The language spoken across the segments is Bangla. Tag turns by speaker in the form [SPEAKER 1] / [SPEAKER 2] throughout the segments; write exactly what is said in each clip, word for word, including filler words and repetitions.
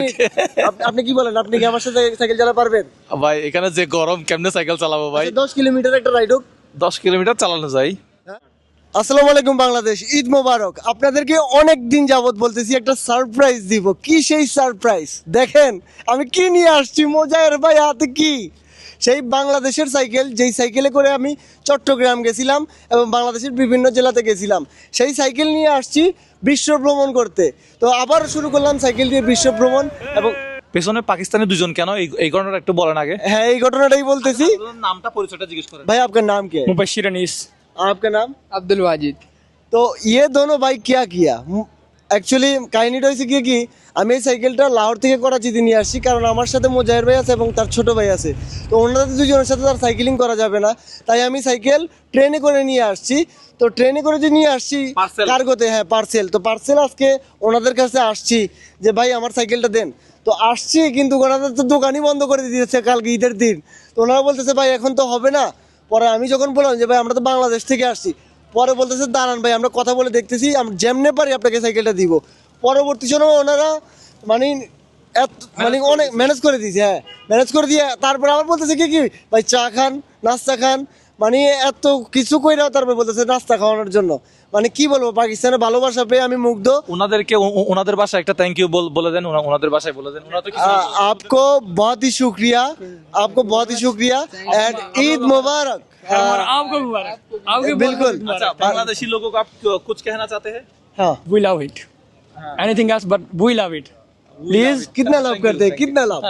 [SPEAKER 1] আপনি কি বলেন, আপনি কি আমার সাথে সাইকেল চালাতে পারবেন?
[SPEAKER 2] ভাই এখানে যে গরম, কেমনে সাইকেল চালাবো ভাই?
[SPEAKER 1] দশ কিলোমিটার একটা রাইড হোক।
[SPEAKER 2] দশ কিলোমিটার চালানো যায়।
[SPEAKER 1] আসসালামু আলাইকুম বাংলাদেশ, ঈদ মোবারক। আপনাদেরকে অনেক দিন যাবত বলতেছি একটা সারপ্রাইজ দিব। কি সেই সারপ্রাইজ? দেখেন আমি কি নিয়ে আসছি। মোজায়ের ভাই হাতে কি সেই বাংলাদেশের সাইকেল, যেই সাইকেলে করে আমি চট্টগ্রাম গেছিলাম এবং বাংলাদেশের বিভিন্ন জেলাতে গেছিলাম। সেই সাইকেল নিয়ে আসছি বিশ্ব ভ্রমণ করতে। তো আবার শুরু করলাম সাইকেল দিয়ে বিশ্ব ভ্রমণ। এবং
[SPEAKER 2] পেছনে পাকিস্তানি দুজন কেন, এই এই ঘটনাটা একটু বলেন আগে।
[SPEAKER 1] হ্যাঁ, এই ঘটনাটাই বলতেছি।
[SPEAKER 2] নামটা পরিচয়টা জিজ্ঞেস করেন
[SPEAKER 1] भाई आपका नाम क्या है?
[SPEAKER 3] मुबशिर अनीस।
[SPEAKER 1] आपका नाम?
[SPEAKER 3] अब्दुल वाजिद।
[SPEAKER 1] তো ये दोनों भाई क्या किया? অ্যাকচুয়ালি কাহিনিটা হয়েছে কি কি আমি এই সাইকেলটা লাহোর থেকে করাচিতে নিয়ে আসছি, কারণ আমার সাথে মোজাহের ভাই আছে এবং তার ছোট ভাই আছে। তো ওনাদের দুজনের সাথে তার সাইকেলিং করা যাবে না, তাই আমি সাইকেল ট্রেনে করে নিয়ে আসছি। তো ট্রেনে করে যে নিয়ে আসছি
[SPEAKER 2] Parcel.
[SPEAKER 1] কার্গোতে, হ্যাঁ পার্সেল। তো পার্সেল আজকে ওনাদের কাছে আসছি যে ভাই আমার সাইকেলটা দেন। তো আসছি, কিন্তু ওনাদের তো দোকানই বন্ধ করে দিয়েছে কালকে ঈদের দিন। তো ওনারা বলতেছে ভাই এখন তো হবে না। পরে আমি যখন বললাম যে ভাই আমরা তো বাংলাদেশ থেকে আসছি, পরে বলতেছে দাঁড়ান ভাই আমরা কথা বলে দেখতেছি, আমরা যেমনে পারি আপনাকে সাইকেলটা দিব। পরবর্তী সময় ওনারা মানে এত মানে অনেক ম্যানেজ করে দিয়েছে, হ্যাঁ ম্যানেজ করে দিয়ে তারপরে আবার বলতেছে কি কি ভাই চা খান, নাস্তা খান, মানে এত কিছু কইরাও তারপরে বলতেছে নাস্তা খাওয়ানোর জন্য। মানে কি বলবো, পাকিস্তানের ভালোবাসা পেয়ে আমি মুগ্ধ।
[SPEAKER 2] ওনাদেরকে ও- ও- ওনাদের ভাষায় একটা থ্যাংক ইউ বলে দেন, ওনা- ওনাদের ভাষায় বলে দেন। ওনারা তো কিছু
[SPEAKER 1] आ, आपको बहुत ही शुक्रिया, आपको बहुत ही शुक्रिया एंड ईद मुबारक।
[SPEAKER 3] आपको मुबारक। आपके
[SPEAKER 1] बिल्कुल।
[SPEAKER 2] अच्छा, बांग्लादेशी लोगों को आप कुछ कहना चाहते हैं?
[SPEAKER 1] हाँ
[SPEAKER 3] we love it. Anything else but we love it.
[SPEAKER 1] Please, कितना लाभ करते हैं, कितना लाभ?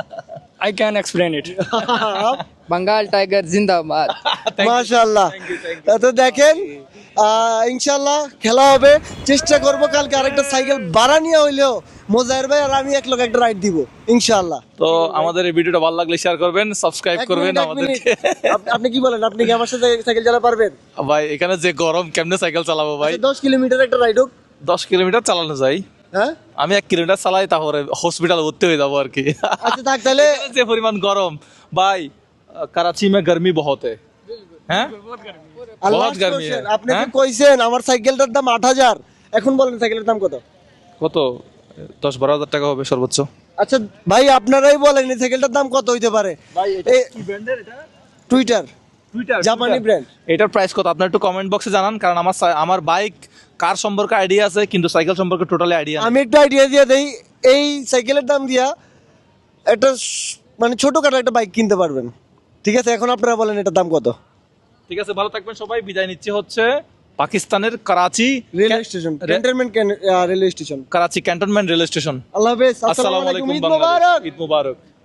[SPEAKER 3] I can explain it.
[SPEAKER 1] आप
[SPEAKER 4] बंगाल टाइगर जिंदाबाद।
[SPEAKER 1] মাশাআল্লাহ। তো দেখেন আহ, ইনশাআল্লাহ খেলা হবে। চেষ্টা করব কালকে আরেকটা সাইকেল ভাড়া নিয়ে হইলেও মোজাহের ভাই আর আমি এক লোক একটা রাইড দিব ইনশাআল্লাহ।
[SPEAKER 2] তো আমাদের এই ভিডিওটা ভালো লাগলে শেয়ার করবেন, সাবস্ক্রাইব
[SPEAKER 1] এক
[SPEAKER 2] করবেন
[SPEAKER 1] মিনিট, এক
[SPEAKER 2] আমাদেরকে।
[SPEAKER 1] মিনিট। আপ- আপনি কি বলেন, আপনি কি আমার সাথে সাইকেল চালাতে পারবেন?
[SPEAKER 2] ভাই এখানে যে গরম, কেমনে সাইকেল চালাবো ভাই?
[SPEAKER 1] দশ কিলোমিটার একটা রাইড হোক।
[SPEAKER 2] দশ কিলোমিটার চালানো যায়।
[SPEAKER 1] হ্যাঁ
[SPEAKER 2] আমি এক কিলোমিটার চালাই, তারপরে হসপিটাল ভর্তি হয়ে যাবো আর কি।
[SPEAKER 1] আচ্ছা থাক তাহলে।
[SPEAKER 2] এখানে যে পরিমাণ গরম ভাই, कराची में गर्मी बहुत है हैं?
[SPEAKER 1] আর
[SPEAKER 2] বহুত
[SPEAKER 1] last
[SPEAKER 2] গরমি
[SPEAKER 1] question,
[SPEAKER 2] হ্যাঁ।
[SPEAKER 1] আপনি তো
[SPEAKER 2] হ্যাঁ?
[SPEAKER 1] কইছেন আমার সাইকেলটার দাম আট হাজার, এখন বলেন সাইকেলের দাম কত?
[SPEAKER 2] কত? দশ বারো হাজার টাকা হবে সর্বোচ্চ।
[SPEAKER 1] আচ্ছা ভাই আপনারাই বলেন এই সাইকেলটার দাম কত হইতে পারে? এই টুইটার জাপানি ব্র্যান্ড।
[SPEAKER 2] এটার প্রাইস কত আপনার একটু কমেন্ট বক্সে জানান, কারণ আমার সা- আমার বাইক কার সম্পর্কে আইডিয়া আছে, কিন্তু সাইকেল সম্পর্কে টোটালি আইডিয়া নেই।
[SPEAKER 1] আমি একটা আইডিয়া দিয়ে দেই, এই সাইকেলের দাম দিয়া একটা স- মানে ছোটখাটো একটা বাইক কিনতে পারবেন। ঠিক আছে, এখন আপনারা বলেন এটার দাম কত?
[SPEAKER 2] ঠিক আছে, ভালো থাকবেন সবাই। বিদায় নিচ্ছে হচ্ছে পাকিস্তানের Karachi
[SPEAKER 1] railway station, cantonment railway station,
[SPEAKER 2] Karachi cantonment rail station.
[SPEAKER 1] আল্লাহ হাফেজ,
[SPEAKER 2] আসসালামু আলাইকুম
[SPEAKER 1] ঈদ
[SPEAKER 2] বাংলাদেশ,
[SPEAKER 1] মোবারক।
[SPEAKER 2] ঈদ মুবারক।